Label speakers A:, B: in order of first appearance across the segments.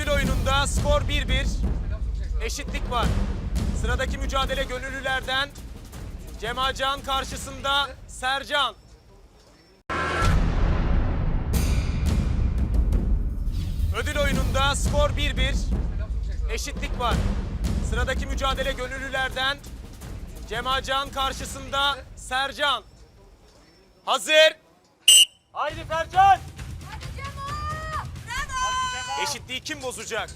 A: Ödül oyununda skor 1-1. Eşitlik var. Sıradaki mücadele gönüllülerden Cemalcan karşısında Sercan. Ödül oyununda skor 1-1. Eşitlik var. Sıradaki mücadele gönüllülerden Cemalcan karşısında Sercan. Hazır. Haydi Sercan. Eşitliği kim bozacak?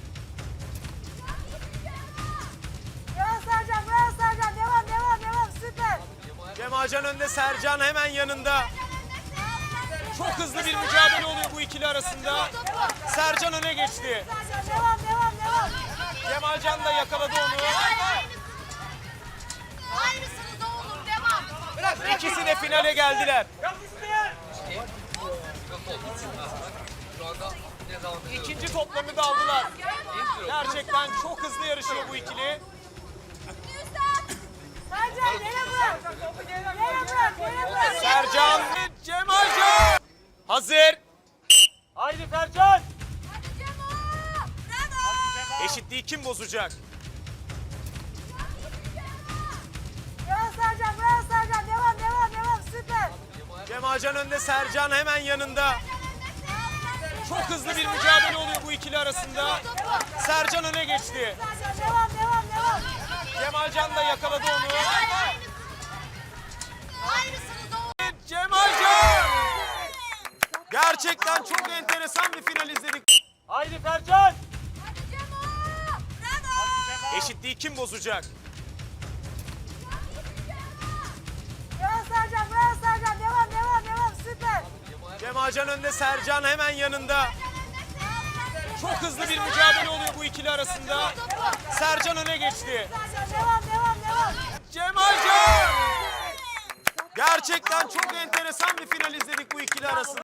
B: Bravo Sercan, bravo Sercan. Devam, süper.
A: Cemalcan önde, Sercan hemen yanında. Çok hızlı bir mücadele oluyor bu ikili arasında. Sercan öne geçti.
B: Sercan, devam.
A: Cemalcan da yakaladı onu.
B: Aynısını da olur, devam.
A: İkisi de finale geldiler. İkinci toplarını da aldılar. Gerçekten çok hızlı yarışıyor bu ikili.
B: Sercan, yere bırak. Yere bırak.
A: Sercan ve Cemalcan. Hazır. Haydi Sercan. Eşitliği kim bozacak?
B: Bravo Sercan. Devam, süper.
A: Cemalcan önde, Sercan hemen yanında. Çok hızlı bir mücadele oluyor bu ikili arasında. Sercan öne geçti.
B: Sercan, devam.
A: Cemalcan da yakaladı onu.
B: Aynısını da olur.
A: Cemalcan! Gerçekten çok enteresan bir final izledik. Haydi Sercan! Eşitliği kim bozacak?
B: Bravo Sercan. Devam, süper.
A: Cemalcan önde, Sercan hemen yanında. Çok hızlı bir mücadele oluyor bu ikili arasında. Sercan öne geçti.
B: Sercan, devam.
A: Cemalcan! Gerçekten çok enteresan bir final izledik bu ikili arasında.